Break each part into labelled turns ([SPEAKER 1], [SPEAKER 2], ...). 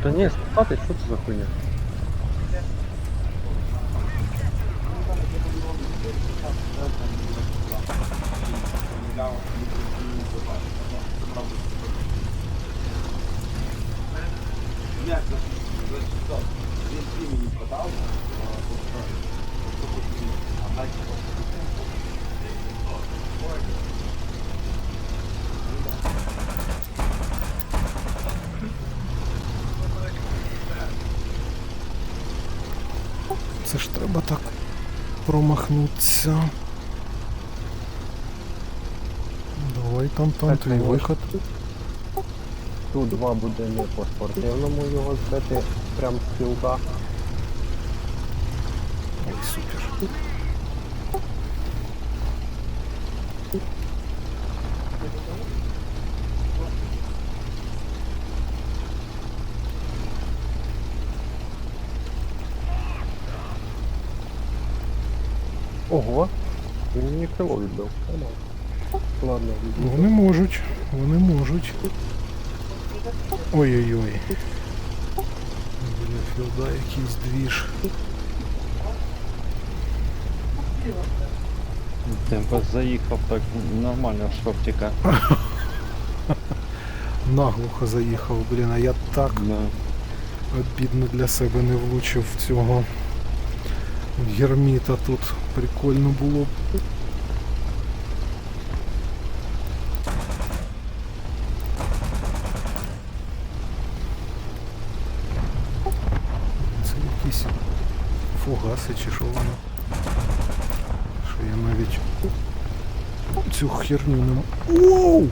[SPEAKER 1] Та ні, спати, що це за хуйня?
[SPEAKER 2] Це ж треба так промахнутися. Давай там
[SPEAKER 1] Так,
[SPEAKER 2] твій
[SPEAKER 1] ну,
[SPEAKER 2] виход.
[SPEAKER 1] Тут два буде не по спортивному його збити прям з кілка.
[SPEAKER 2] Ой, супер.
[SPEAKER 1] Ого! Він мені крило відбив. Ладно, відбив.
[SPEAKER 2] Вони можуть, вони можуть. Ой-ой-ой. Біля філда якийсь двіж.
[SPEAKER 3] Темпо заїхав так нормально в шортика.
[SPEAKER 2] Наглухо заїхав, блін, а я так
[SPEAKER 3] Да.
[SPEAKER 2] обідно для себе не влучив в цього герміта тут. Прикольно було б. Це якісь фугаси чи що воно. Що я навіть цю херню не м... Воу!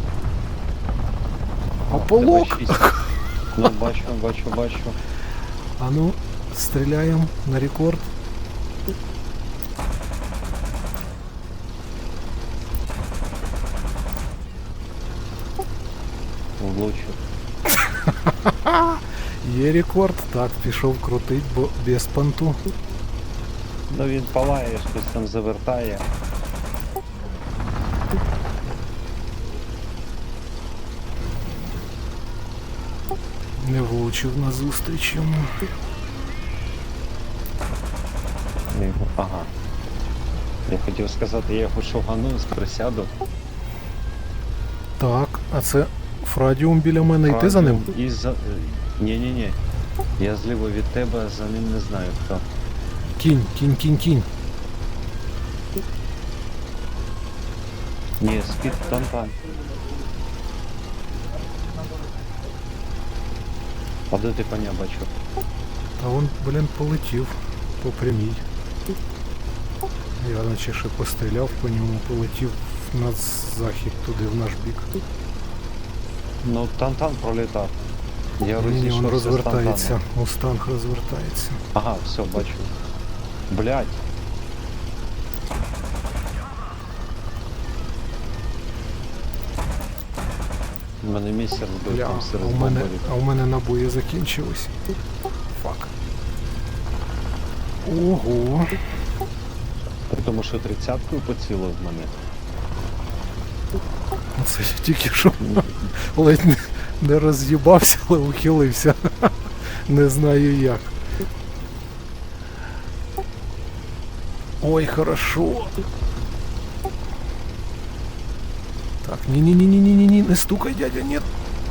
[SPEAKER 2] Ополок!
[SPEAKER 3] Тебе шість. Ну, бачу.
[SPEAKER 2] А ну, стріляємо на рекорд.
[SPEAKER 3] Влучив.
[SPEAKER 2] Є рекорд. Так, пішов крутить, бо без понту.
[SPEAKER 3] Ну він палає, щось там завертає.
[SPEAKER 2] Не влучив на зустріч йому.
[SPEAKER 3] Ага. Я хотів сказати, я його шугану з присяду.
[SPEAKER 2] Так, а це Фрадіум біля мене, і ти за ним?
[SPEAKER 3] І за... Ні. Я зліво від тебе, за ним не знаю хто.
[SPEAKER 2] Кінь.
[SPEAKER 3] Ні, спід там. А де ти коня бачив?
[SPEAKER 2] Та він, блін, полетів по прямій. Я наче ще постріляв по ньому, полетів на захід туди, в наш бік.
[SPEAKER 3] Ну, Тантан пролітав. Я
[SPEAKER 2] Ні, він
[SPEAKER 3] розійшовся з
[SPEAKER 2] розвертається,
[SPEAKER 3] Тантаном.
[SPEAKER 2] Мустанг розвертається.
[SPEAKER 3] Ага, все, бачу. Блядь. У мене місяць збив
[SPEAKER 2] Бля,
[SPEAKER 3] там
[SPEAKER 2] а
[SPEAKER 3] серед
[SPEAKER 2] у мене,
[SPEAKER 3] бомбарів.
[SPEAKER 2] а у мене набої закінчились. Фак. Ого.
[SPEAKER 3] При тому, що 30-кою поцілив в мене.
[SPEAKER 2] Це я тільки що ледь не роз'їбався, але ухилився. Не знаю як. Ой, хорошо. Так, ні, не стукай, дядя, нет.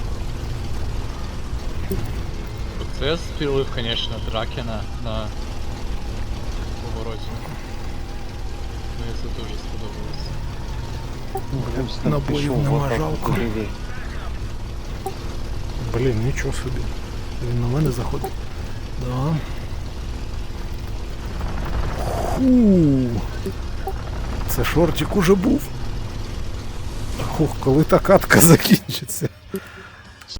[SPEAKER 4] Це я спілив, конечно, Дракена на повороті. Мені це дуже сподобалося.
[SPEAKER 2] Набоїв нема, жалко. Блін, нічого собі. Він на мене заходить. Да. Фу. Це шортик уже був. Ух, коли та катка закінчиться.